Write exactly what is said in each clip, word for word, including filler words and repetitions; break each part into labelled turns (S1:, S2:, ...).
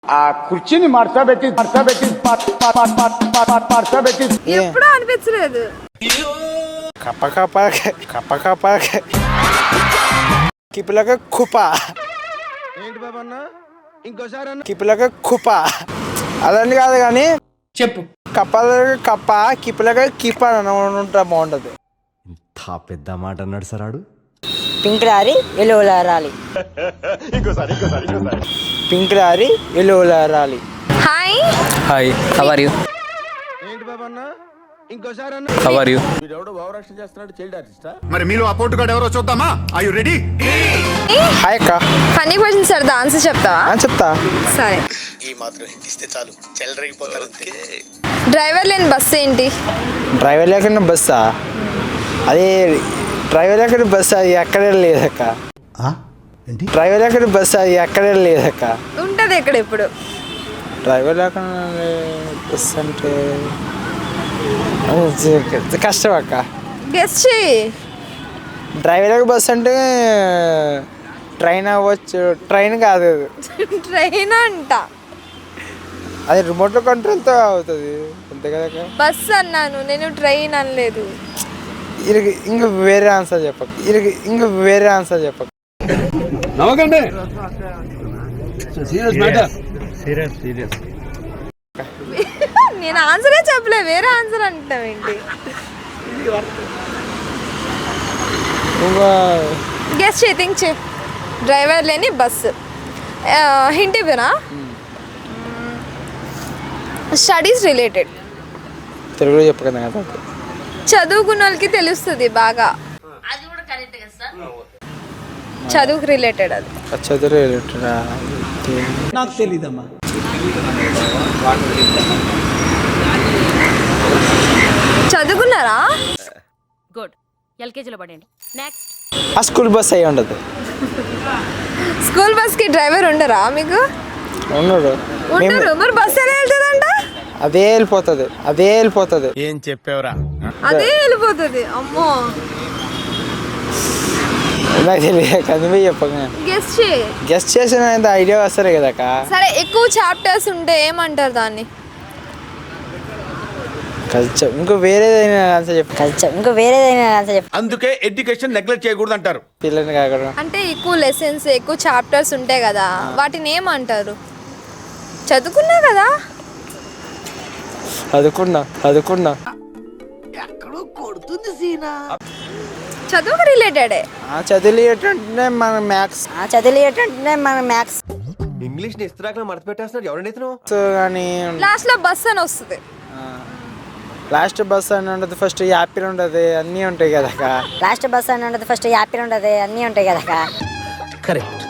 S1: ఆ కుర్చీని మడతబెట్టి మడతబెట్టి మడతబెట్టి
S2: ఎప్పుడూ అనిపించలేదు.
S3: కప్ప కప్ప కప్ప కప్ప కిపులక కుప
S4: ఏంటి బాబన్న ఇంకోసారి
S3: కిపులక కుప అదని కాదు కానీ
S5: చెప్పు.
S3: కప్పల కప్ప కిపులక కిప అని ఉంటా బాగుంటది.
S6: ఇంత పెద్ద మాట అన్నాడు సార్ ఆడు.
S7: Pink lorry yellow lorry
S3: pink lorry yellow lorry.
S2: Hi
S5: hi, how are you?
S4: ఏంటి బాబన్న ఇంకోసారి
S5: హౌ ఆర్ యు?
S1: మరి మీలో ఆ పోటుగాడు ఎవరో చూద్దామా? Are you ready?
S3: హాయ్ అక్క.
S2: ఫన్నీ క్వశ్చన్ సార్ ఆన్సర్ చెప్తావా?
S3: అని చెప్తా.
S2: సరే.
S8: ఈ మాత్రం ఇస్తే చాలు చెల్లరగిపోతారు అంతే.
S2: డ్రైవర్ లేని బస్సు ఏంటి?
S3: డ్రైవర్ లేకుండా బస్సా? అది డ్రైవర్ లేకుండా బస్సు అది ఎక్కడే లేదక్క. డ్రైవర్ లేకుండా బస్సు అది ఎక్కడే లేదక్క.
S2: ఉంటది ఎక్కడ ఇప్పుడు?
S3: డ్రైవర్ లేకుండా బస్ అంటే కష్టం అక్క.
S2: గెస్ చేయి.
S3: డ్రైవర్ లేక బస్ అంటే ట్రైన్ అవ్వచ్చు. ట్రైన్ కాదు అది.
S2: ట్రైన్ అంట.
S3: అది రిమోట్లో కంట్రోల్తో అవుతుంది అంతే కదా.
S2: బస్ అన్నాను నేను, ట్రైన్ అనలేదు.
S3: ఇరికి ఇంక వేరే ఆన్సర్ చెప్పక. ఇరికి ఇంక వేరే ఆన్సర్ చెప్పక.
S5: నవ్వకండి.
S2: నేను ఆన్సరే చెప్పలే, వేరే ఆన్సర్ అంటావు ఏంటి?
S3: ఇంకా
S2: గెస్ చేయి, థింక్ చేయి. డ్రైవర్ లేని బస్సు. హింట్ ఇవ్వనా? Studies related.
S3: తెలుగులో చెప్పక కదా.
S2: చదువుకున్న వాళ్ళకి తెలుస్తుంది బాగా. చదువుకు రిలేటెడ్ అది.
S3: చదువు
S5: నాకు తెలీదమ్మా.
S2: చదువుకున్నారా?
S9: గుడ్, ఎల్కేజీలో పడండి. నెక్స్ట్.
S3: ఆ స్కూల్ బస్ అయ్యి ఉండదు.
S2: స్కూల్ బస్ కి డ్రైవర్ ఉండరా మీకు?
S3: ఉండడు.
S2: ఉండరు. మరి బస్ ఎలా వెళ్తుందంట?
S3: అదే వెళ్ళిపోతుంది అదే వెళ్ళిపోతుంది
S4: ఏం చెప్పావురా?
S2: అదే వెళ్ళిపోతుంది. అమ్మో,
S3: నాకు తెలియదు కదిమే చెప్పక.
S2: గెస్ చేయి.
S3: గెస్ట్ చేసిన ఐడియా వస్తుంది కదక్క.
S2: సరే, ఎక్కువ చాప్టర్స్ ఉంటే ఏమంటారు దాన్ని?
S3: కల్చర్. ఇంకో వేరేదైనా ఆన్సర్ చెప్పు.
S7: కల్చర్. ఇంకో వేరేదైనా ఆన్సర్ చెప్పు.
S1: అందుకే ఎడ్యుకేషన్ నెగ్లెక్ట్ చేయకూడదు అంటారు.
S3: పిల్లని కాకుండా
S2: అంటే ఎక్కువ లెసన్స్, ఎక్కువ చాప్టర్స్ ఉంటాయి కదా, వాటిని ఏమంటారు? చదువుకున్నా కదా.
S3: చదువుకున్నా చదువుకున్నా
S2: చదువుకు రిలేటెడే.
S3: చదువులు ఏంటంటే మన మ్యాథ్స్
S7: ఆ చదివేటంటే మన మ్యాథ్స్.
S6: ఇంగ్లీష్ ని ఇస్త్రాకులు మడత పెట్టేస్తున్నాడు ఎవరండి ఇతను?
S3: కానీ
S2: లాస్ట్ లో బస్ అని వస్తుంది.
S3: లాస్ట్ బస్ అని ఉండదు, ఫస్ట్ యాపిల్ ఉండదు, అన్నీ ఉంటాయి కదక్క.
S7: లాస్ట్ బస్ అని ఉండదు, ఫస్ట్ యాపిల్ ఉండదు, అన్నీ ఉంటాయి కదా.
S6: కరెక్ట్.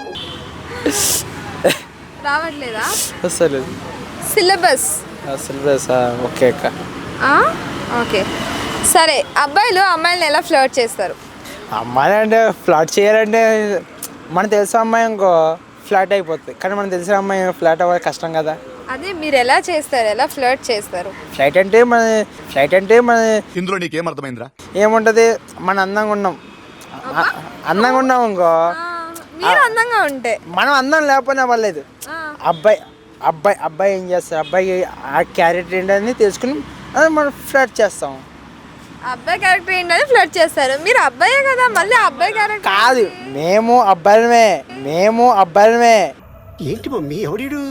S2: రావట్లేదా?
S3: అసలు
S2: సిలబస్.
S3: సిలబస్ ఓకే అక్క.
S2: ఓకే, సరే. అబ్బాయిలు అమ్మాయిలను ఎలా ఫ్లర్ట్ చేస్తారు?
S3: అమ్మాయి అంటే ఫ్లాట్ చేయాలంటే మనకు తెలిసిన అమ్మాయి ఇంకో ఫ్లాట్ అయిపోతుంది, కానీ మనకు తెలిసిన అమ్మాయి ఫ్లాట్ అవ్వాలి కష్టం కదా.
S2: అదే మీరు ఎలా చేస్తారు, ఎలా ఫ్లర్ట్ చేస్తారు?
S3: ఫ్లైట్ అంటే మన ఫ్లైట్ అంటే మన
S1: ఇందులో నీకేం అర్థమైందిరా?
S3: ఏముంటుంది, మన అందంగా ఉన్నాం అందంగా ఉన్నాం ఇంకో.
S2: మీరు అందంగా ఉంటే.
S3: మనం అందం లేకపోయినా పర్లేదు. అబ్బాయి అబ్బాయి అబ్బాయి ఏం చేస్తారు, అబ్బాయి ఆ క్యారెక్టర్ ఏంటని తెలుసుకుని అది మనం ఫ్లాట్ చేస్తాం.
S2: అబ్బాయి క్యారెక్టర్ ఏంటని ఫ్లర్ట్ చేస్తారు. మీరు అబ్బాయే కదా, మళ్ళీ అబ్బాయి క్యారెక్టర్
S3: కాదు, మేము అబ్బాయిలమే మేము అబ్బాయిలమే
S8: ఏంటి మమ్మీ ఎవడీడు?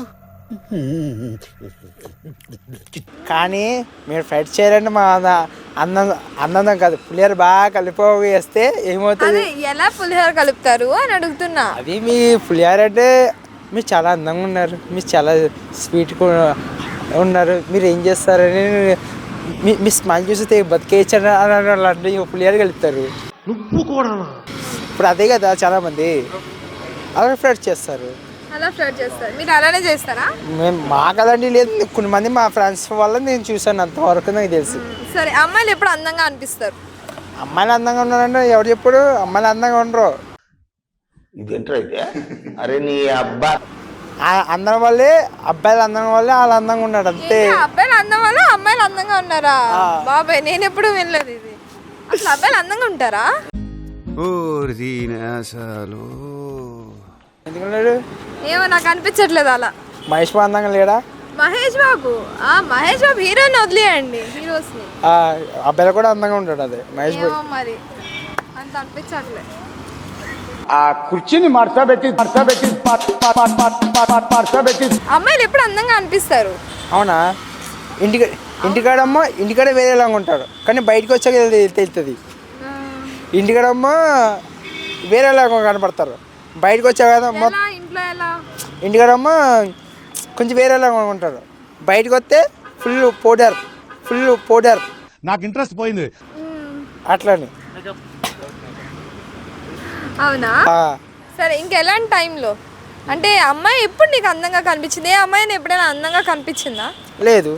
S3: కానీ మీరు ఫ్లైట్ చేయాలంటే మా అందం అందం కాదు, పులిహోర బాగా కలిపి వేస్తే ఏమవుతుంది?
S2: అదే ఎలా పులిహోర కలుపుతారు అని అడుగుతున్నా.
S3: అది మీ పులిహోర అంటే మీరు చాలా అందంగా ఉన్నారు, మీరు చాలా స్వీట్గా ఉన్నారు, మీరు ఏం చేస్తారని మీ మీ స్మైల్ చూస్తే బతికేయచ్చని అని అలాంటి పులిహోర కలుపుతారు.
S8: నువ్వు కూడా
S3: ఇప్పుడు అదే కదా చాలామంది అలా ఫ్లర్ట్ చేస్తారు.
S2: అలా ఫ్లర్ట్ చేస్తారు. మీరు అలానే చేస్తారా?
S3: మేము మాకు అలాంటివి లేదు, కొన్ని మంది మా ఫ్రెండ్స్ వల్ల నేను చూసాను, అంతవరకు నాకు తెలుసు.
S2: సరే, అమ్మాయిలు ఎప్పుడు అందంగా అనిపిస్తారు?
S3: అమ్మాయిలు అందంగా ఉన్నారంటే ఎవరు చెప్పుడు? అమ్మాయిలు అందంగా ఉండరు.
S8: ఇదేంట్రా అయితే? అరే నీ అబ్బా
S3: అందం వల్లే అబ్బాయిలు అందంగా వల్లే వాళ్ళు అందంగా ఉన్నాడు అంతే.
S2: ఏంటి, అబ్బాయిలు అందం వల్ల అమ్మాయిలు అందంగా ఉన్నారా? బాబాయ్, నేను ఎప్పుడు వినలేదు ఇది. అసలు అబ్బాయిలు అందంగా ఉంటారా?
S3: ఎందుకున్నాడు
S2: ఏమో నాకు అనిపించట్లేదు అలా.
S3: మహేష్ బాబు అందంగా లేడా?
S2: మహేష్ బాబు ఆ మహేష్ బాబు హీరోని వదిలేయండి, హీరోస్ ని.
S3: ఆ అబ్బాయిలు కూడా అందంగా ఉంటాడు అదే మహేష్ బాబు.
S2: ఏమో మరి అంత అనిపించట్లే.
S1: ఆ కుర్చీని మార్చబెట్టి మార్చబెట్టి మార్చబెట్టి
S2: అమ్మాయిలు ఎప్పుడు అందంగా అనిపిస్తారు?
S3: అవునా? ఇంటికి ఇంటికాడమ్మ ఇంటికాడ వేరేలాగా ఉంటాడు, కానీ బయటకు వచ్చాక తెలు- తెలుస్తుంది. ఇంటికాడమ్మ వేరేలాగా కనపడతారు, బయటకు వచ్చాక కదా మొ-
S2: ఎలా ఇంట్లో ఎలా?
S3: ఇంటికాడమ్మ కొంచెం వేరేలాగా ఉంటాడు, బయటకు వస్తే ఫుల్ పౌడర్ ఫుల్ పౌడర్
S1: నాకు ఇంట్రెస్ట్ పోయింది.
S3: అట్లని.
S2: అవునా? సరే ఇంకెలాంటి టైంలో అంటే అమ్మాయి ఎప్పుడు నీకు అందంగా కనిపించింది? ఏ అమ్మాయిని ఎప్పుడైనా అందంగా కనిపించిందా?
S3: లేదు.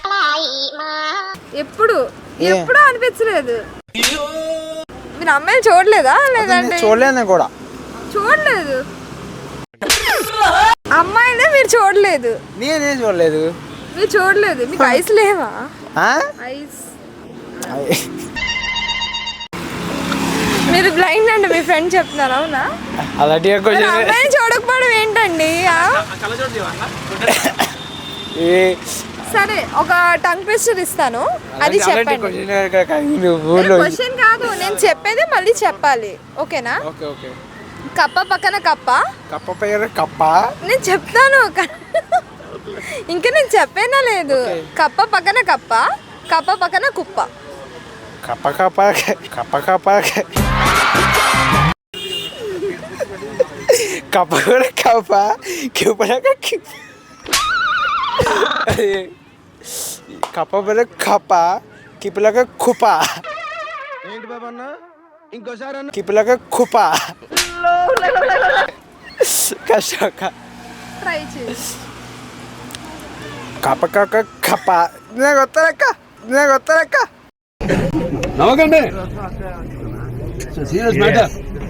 S2: ఎప్పుడు
S3: ఏ?
S2: ఎప్పుడు అనిపించలేదు. మీరు అమ్మాయిని చూడలేదా? లేదంటే
S3: చూడలేదు నేను కూడా.
S2: చూడలేదు అమ్మాయినే మీరు చూడలేదు?
S3: నేనేం చూడలేదు.
S2: మీరు చూడలేదు? మీకు ఐస్ లేవా?
S3: ఆ?
S2: ఐస్ మీరు బ్లైండ్ అండి, మీ ఫ్రెండ్ చెప్తున్నారు. అవునా?
S3: అలాంటి
S2: మరి అమ్మాయిని చూడకపోవడం ఏంటండి? ఆ? సరే ఒక టంగ్ ట్విస్టర్ ఇస్తాను, అది చెప్పండి. క్వశ్చన్ కాదు, నేను చెప్పేది మళ్ళీ చెప్పాలి. ఓకేనా?
S3: Okay okay.
S2: కప్ప పక్కన కప్ప.
S3: కప్ప పేరు కప్ప.
S2: నేను చెప్తాను ఇంకా నేను చెప్పేనా లేదు. కప్ప పక్కన కప్ప, కప్ప పక్కన కుప్ప.
S3: కప్ప కప్ప కప్ప కప్ప కప్ప కూడా కప్ప కిప్పలాగా కప్ప పేరు కప్ప కిప్పలాగా కుప్ప.
S4: ఏంటి బాబు అన్న ఇంకోసారి అన్న
S3: కిప్పలాగా కుప్ప. కష్టం.
S2: ట్రై చేయి.
S3: కప్ప కప్ప కప్ప నాకు వస్తారక్క నాకు వస్తారక్క.
S5: నవ్వకండి. Serious matter.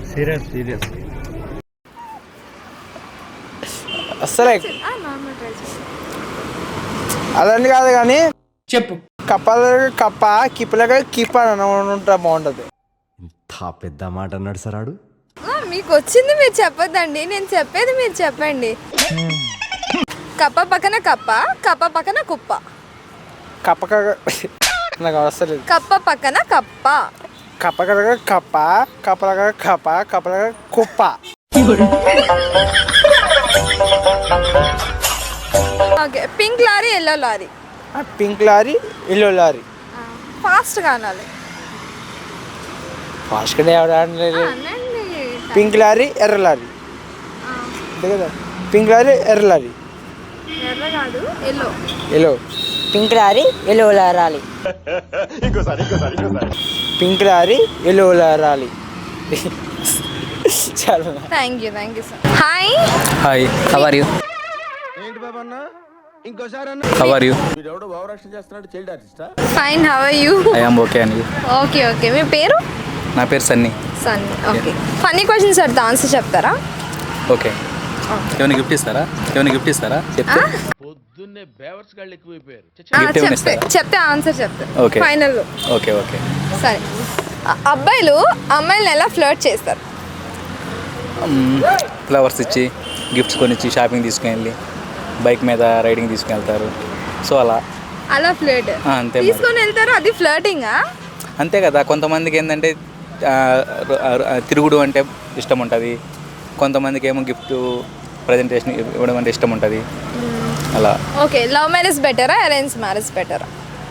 S3: అసలే
S2: ఆ, నార్మల్ ట్రై చేయి.
S3: అదండి కాదు కానీ
S5: చెప్పు.
S3: కప్ప కప్ప కిప్పలాగా కిప్ప అని ఉంటా బాగుంటుంది.
S6: ఇంత పెద్ద మాట అన్నాడు సార్ ఆడు.
S2: ఆ, మీకు వచ్చింది మీరు చెప్పొద్దండి, నేను చెప్పేది మీరు చెప్పండి. కప్ప పక్కన కప్ప, కప్ప పక్కన కుప్ప.
S3: కప్ప నాకు వస్తలేదు.
S2: కప్ప పక్కన కప్ప.
S3: కప్ప కలగా కప్ప కప్పలగా కప్ప కప్పలగా కుప్ప.
S2: Okay, pink lorry yellow lorry.
S3: Pink lorry yellow lorry.
S2: Fast కానాలి.
S3: ఫాస్ట్గానే ఎవరు ఆడలేదు.
S2: అనండి.
S3: పింక్ లారీ ఎర్ర లారీ అంతే కదా. పింక్ లారీ ఎర్ర లారీ.
S2: ఎర్ర కాదు, yellow.
S3: Yellow.
S7: Pink lorry yellow lorry.
S3: Pink lorry yellow lorry. చాలా.
S2: Thank you thank you sir. Hi.
S5: Hi, how are you?
S4: ఏంటి బాబు అన్న ఇంకోసారి అన్న
S5: హౌ ఆర్ యు?
S1: వీడెవడో భావరక్షణ చేస్తున్నాడు, చైల్డ్ ఆర్టిస్టా?
S2: Fine, how are you?
S5: I am okay and you?
S2: Okay okay. మీ పేరు?
S5: నా పేరు Sunny.
S2: Sunny. Okay. Funny questions అడితే ఆన్సర్ చెప్తారా?
S5: ఓకే. ఏమైనా గిఫ్ట్ ఇస్తారా? ఏమైనా గిఫ్ట్ ఇస్తారా? చెప్తే
S2: ఆ,
S5: గిఫ్ట్ ఏమైనా
S2: చెప్తే
S5: ఇస్తారా?
S2: చెప్తే ఆన్సర్ చెప్తా.
S5: ఓకే.
S2: ఫైనల్.
S5: Okay okay.
S2: సరే, అ- అబ్బాయిలు అమ్మాయిలను ఎలా ఫ్లర్ట్ చేస్తారు?
S5: ఫ్లవర్స్ ఇచ్చి, గిఫ్ట్స్ కొనిచ్చి, షాపింగ్ తీసుకుని బైక్ మీద రైడింగ్ తీసుకుని సో అలా
S2: అలా ఫ్లర్ట్
S5: ఆ, అంతే మరి.
S2: తీసుకొని వెళ్తారు, అది ఫ్లర్టింగా?
S5: అంతే కదా. కొంతమందికి ఏంటంటే ఆ, ఆ, తిరుగుడు అంటే ఇష్టం ఉంటుంది, కొంతమందికి ఏమో గిఫ్ట్ ప్రజెంటేషన్ ఇవ్వడం అంటే ఇష్టం ఉంటుంది అలా.
S2: ఓకే, లవ్ మ్యారేజ్ బెటరా అరేంజ్ మ్యారేజ్ బెటరా?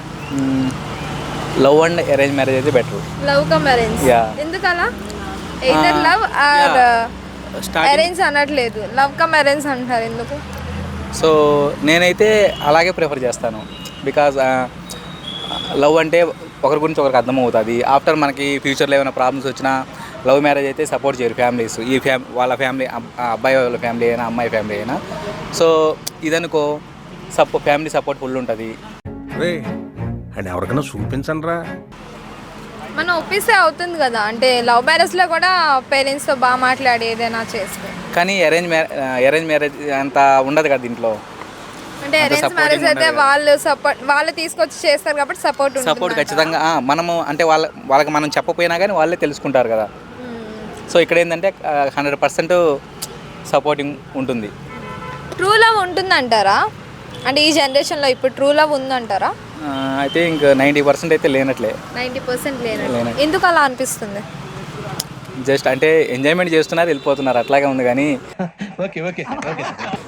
S5: లవ్ అండ్ అరేంజ్ మ్యారేజ్ అయితే better.
S2: Love come arrange.
S5: Yeah.
S2: ఎందుకు అలా? ఎయిదర్ లవ్ ఆర్ అరేంజ్ అనట్లేదు, లవ్ కమ్ అరేంజ్ అంటారు ఎందుకు?
S5: సో నేనైతే అలాగే ప్రిఫర్ చేస్తాను. బికాజ్ లవ్ అంటే ఒకరి గురించి ఒకరికి అర్థమవుతుంది. ఆఫ్టర్ మనకి ఫ్యూచర్లో ఏమైనా ప్రాబ్లమ్స్ వచ్చినా లవ్ మ్యారేజ్ అయితే సపోర్ట్ చేయరు ఫ్యామిలీస్. ఈ ఫ్యామ్ వాళ్ళ ఫ్యామిలీ అబ్బాయి వాళ్ళ ఫ్యామిలీ అయినా అమ్మాయి ఫ్యామిలీ అయినా. సో ఇదనుకో సపో ఫ్యామిలీ సపోర్ట్ ఫుల్ ఉంటుంది.
S4: రే అండ్ ఎవరికైనా చూపించండి రా.
S2: మనం ఒప్పిస్తే అవుతుంది కదా, అంటే లవ్ మ్యారేజ్లో కూడా పేరెంట్స్తో బాగా మాట్లాడి ఏదైనా చేస్తే.
S5: కానీ అరేంజ్ మ్యారేజ్ అరేంజ్ మ్యారేజ్ అంత ఉండదు కదా దీంట్లో.
S2: అంటే
S5: అంత
S2: అరేంజ్
S5: supporting
S2: మ్యారేజ్ అయితే
S5: ఉండదు.
S2: వాళ్ళు సపోర్ట్ వాళ్ళు తీసుకొచ్చి చేస్తారు కాబట్టి సపోర్ట్
S5: సపోర్ట్ ఖచ్చితంగా ఆ, మనము అంటే వాళ్ళ వాళ్ళకి మనం చెప్పపోయినా కానీ వాళ్ళే తెలుసుకుంటారు కదా. సో ఇక్కడ ఏంటంటే హండ్రెడ్ పర్సెంట్ సపోర్టింగ్ ఉంటుంది.
S2: ట్రూ లవ్ ఉంటుందంటారా? అంటే ఈ జనరేషన్లో ఇప్పుడు ట్రూ లవ్ ఉందంటారా?
S5: అయితే ఇంకా నైంటీ పర్సెంట్ అయితే లేనట్లే.
S2: నైంటీ పర్సెంట్ లేనట్టు. ఎందుకు అలా అనిపిస్తుంది?
S5: జస్ట్ అంటే ఎంజాయ్మెంట్ చేస్తున్నారు, వెళ్ళిపోతున్నారు, అట్లాగే ఉంది. కానీ
S4: ఓకే ఓకే ఓకే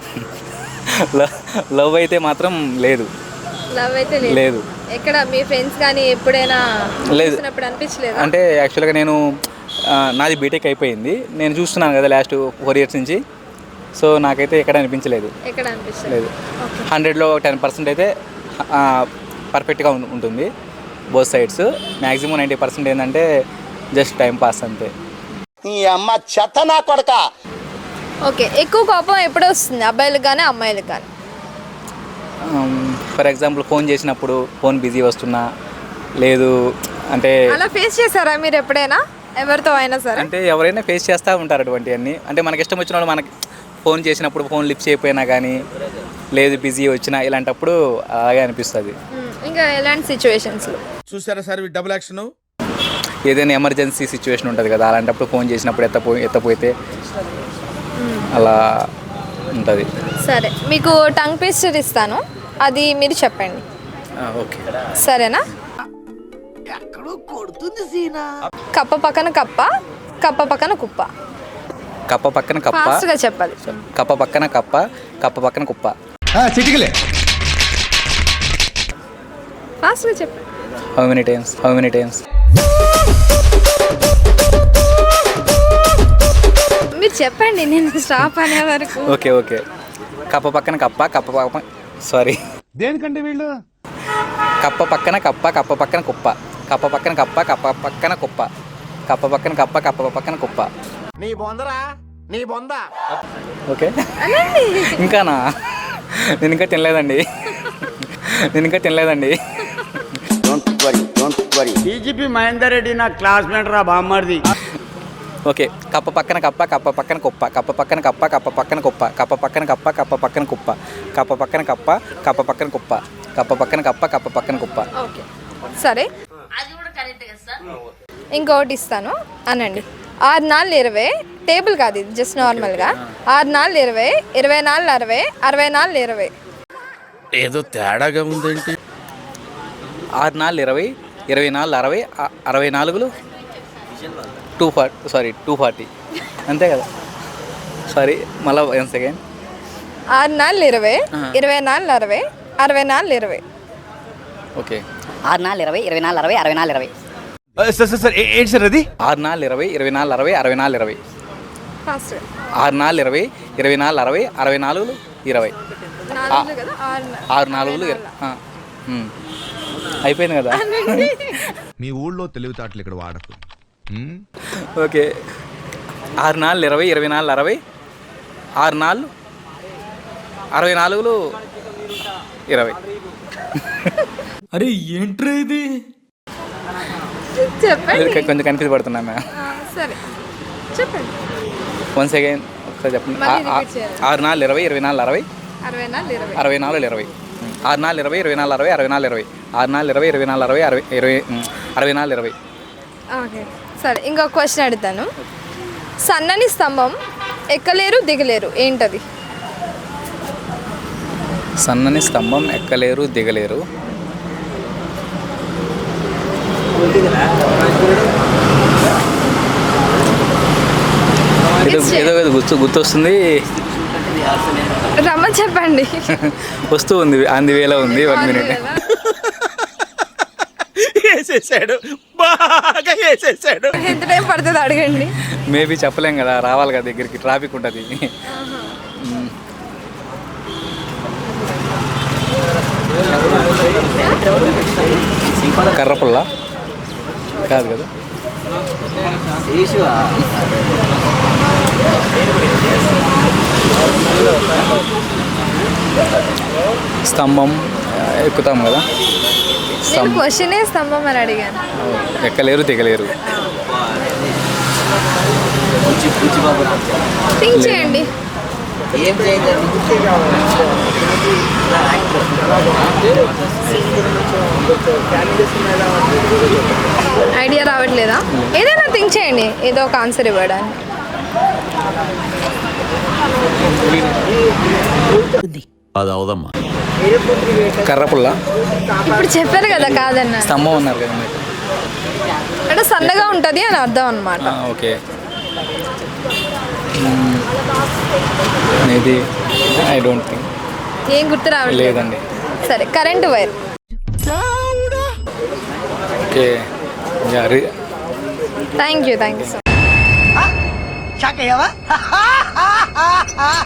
S5: లవ్ అయితే మాత్రం లేదు.
S2: లవ్ అయితే
S5: లేదు.
S2: ఎక్కడ మీ ఫ్రెండ్స్ కానీ ఎప్పుడైనా
S5: లేదు.
S2: చూసినప్పుడు అనిపించలేదు?
S5: అంటే యాక్చువల్గా నేను ఆ, నాది బీటెక్ అయిపోయింది, నేను చూస్తున్నాను కదా లాస్ట్ ఫోర్ ఇయర్స్ నుంచి. సో నాకైతే ఎక్కడ అనిపించలేదు.
S2: ఎక్కడ అనిపించలేదు.
S5: లేదు. హండ్రెడ్లో టెన్ పర్సెంట్ అయితే పర్ఫెక్ట్గా ఉంటుంది both sides. Maximum ninety percent ఏంటంటే జస్ట్ టైం పాస్ అంతే.
S8: నీ అమ్మ చెత్త నా కొడక.
S2: ఓకే, ఎక్కువ కోపం ఎప్పుడు వస్తుంది, అబ్బాయిలకు కానీ అమ్మాయిలకు కానీ?
S5: ఫర్ ఎగ్జాంపుల్ ఫోన్ చేసినప్పుడు ఫోన్ బిజీ వస్తున్నా, లేదు అంటే
S2: అలా ఫేస్ చేశారా మీరు ఎప్పుడైనా ఎవరితో అయినా సరే?
S5: అంటే ఎవరైనా ఫేస్ చేస్తూ ఉంటారు అటువంటివన్నీ. అంటే మనకి ఇష్టం వచ్చిన వాళ్ళు మనకి ఫోన్ చేసినప్పుడు ఫోన్ లిఫ్ట్ చేయకపోయినా కానీ, లేదు బిజీ వచ్చినా, ఇలాంటప్పుడు అలాగే అనిపిస్తుంది.
S2: ఇంకా ఎలాంటి సిచ్యువేషన్స్లో?
S4: చూసారా సార్ డబుల్ యాక్షన్?
S5: ఏదైనా ఎమర్జెన్సీ సిచ్యువేషన్ ఉంటుంది కదా, అలాంటప్పుడు ఫోన్ చేసినప్పుడు ఎత్తపో ఎత్తపోతే అలా ఉంటుంది.
S2: సరే, మీకు టంగ్ ట్విస్టర్ ఇస్తాను, అది మీరు చెప్పండి.
S5: ఓకే,
S2: సరేనా? కప్ప పక్కన కప్ప, కప్ప పక్కన కుప్ప.
S5: కప్ప పక్కన కప్ప,
S2: ఫాస్ట్గా చెప్పాలి.
S5: కప్ప పక్కన కప్ప, కప్ప పక్కన కుప్ప.
S1: చిటికలే.
S2: ఫాస్ట్గా చెప్పండి.
S5: How many times how many times
S2: మీరు చెప్పండి, నేను స్టాప్ అనే వరకు.
S5: ఓకే ఓకే కప్ప పక్కన కప్ప, కప్ప పక్కన సారీ
S1: దేనికంటే వీళ్ళు
S5: కప్ప పక్కన కప్ప, కప్ప పక్కన కుప్ప. కప్ప పక్కన కప్ప, కప్ప పక్కన కుప్ప. కప్ప పక్కన కప్ప, కప్ప పక్కన కుప్ప.
S8: నీ బొందరా నీ బొంద.
S5: ఓకే, ఇంకానా? నేను ఇంకా తినలేదండి, నేను ఇంకా తినలేదండి.
S1: డీజీపీ మహేందర్ రెడ్డి నా క్లాస్మేట్ రా బామ్మర్ది.
S5: ఓకే, కప్ప పక్కన కప్ప, కప్ప పక్కన కుప్ప. కప్ప పక్కన కప్ప, కప్ప పక్కన కుప్ప. కప్ప పక్కన కప్ప, కప్ప పక్కన కుప్ప. కప్ప పక్కన కప్ప, కప్ప పక్కన కుప్ప. కప్ప పక్కన కప్ప, కప్ప పక్కన కుప్ప.
S2: ఓకే, సరే. ఇంకొకటి ఇస్తాను, అనండి. ఆరు నాలుగు ఇరవై, టేబుల్ కాదు ఇది, జస్ట్ నార్మల్గా. ఆరు నాలుగు ఇరవై, ఇరవై నాలుగు అరవై, అరవై నాలుగు ఇరవై.
S4: ఏదో తేడాగా ఉందేంటి?
S5: ఆరు నాలుగు ఇరవై, ఇరవై నాలుగు అరవై, అరవై నాలుగులు two forty sorry two forty అంతే కదా? సారీ, మళ్ళీ వన్ సెకండ్.
S2: ఆరు నాలుగు ఇరవై, ఇరవై నాలుగు అరవై, అరవై నాలుగు ఇరవై.
S5: ఓకే,
S7: ఆరు నాలుగు ఇరవై ఇరవై నాలుగు అరవై అరవై నాలుగు ఇరవై.
S1: సార్ సార్ సార్ ఏంటి సార్ అది?
S5: ఆరు నాలుగు ఇరవై, ఇరవై నాలుగు అరవై, అరవై నాలుగు ఇరవై.
S2: ఫాస్ట్.
S5: ఆరు నాలుగు ఇరవై, ఇరవై నాలుగు అరవై, అరవై నాలుగు ఇరవై. ఆరు నాలుగులు అయిపోయింది కదా?
S1: మీ ఊళ్ళో తెలివితేటలు ఇక్కడ వాడకు.
S5: ఓకే, ఆరు నాలుగు ఇరవై, ఇరవై నాలుగు అరవై, ఆరు నాలుగు అరవై నాలుగులు ఇరవై.
S6: అరే ఏంట్రా ఇది?
S2: చెప్పండి.
S5: కొంచెం కన్ఫ్యూజ్ పడుతున్నా మ్యామ్.
S2: సరే చెప్పండి.
S5: వన్ సెకండ్ ఒకసారి చెప్పండి. ఆరు నాలుగు ఇరవై, ఇరవై నాలుగు అరవై,
S2: అరవై నాలుగు ఇరవై.
S5: అరవై నాలుగు ఇరవై. ఆరు నాలుగు ఇరవై, ఇరవై నాలుగు అరవై, అరవై నాలుగు ఇరవై. ఆరు నాలుగు ఇరవై, ఇరవై నాలుగు అరవై, అరవై ఇరవై అరవై నాలుగు ఇరవై.
S2: ఓకే, సరే. ఇంకొక క్వశ్చన్ అడుగుతాను. సన్నని స్తంభం, ఎక్కలేరు దిగలేరు, ఏంటది?
S5: సన్నని స్తంభం, ఎక్కలేరు దిగలేరు. ఏదో ఏదో ఏదో గుర్తు గుర్తొస్తుంది.
S2: రమ్మని చెప్పండి.
S5: వస్తూ ఉంది, ఆన్ ది వేలో ఉంది. One minute.
S4: వేసేసాడు, బాగా వేసేసాడు.
S2: ఎంత టైం పడుతుంది అడగండి.
S5: మేబీ చెప్పలేం కదా, రావాలి కదా దగ్గరికి, ట్రాఫిక్ ఉంటుంది. కర్రపుల్ల కాదు కదా? స్తంభం ఎక్కుతాం కదా.
S2: నేను క్వశ్చనే స్తంభం అని అడిగాను.
S5: ఎక్కలేరు దిగలేరు.
S2: థింక్ చేయండి. ఐడియా రావట్లేదా? ఏదైనా థింక్ చేయండి, ఏదో ఒక ఆన్సర్ ఇవ్వడానికి.
S6: అది అవదమ్మా.
S5: కర్రపుల్ల.
S2: ఇప్పుడు చెప్పారు కదా కాదన్న.
S5: స్తంభం ఉన్నారు కదా మీరు.
S2: అంటే సన్నగా ఉంటుంది అని అర్థం అనమాట.
S5: Okay. Maybe I don't think.
S2: ఏం గుర్తు రావట్లేదు.
S5: లేదండి.
S2: సరే current wire.
S5: Okay.
S2: Thank you thank you so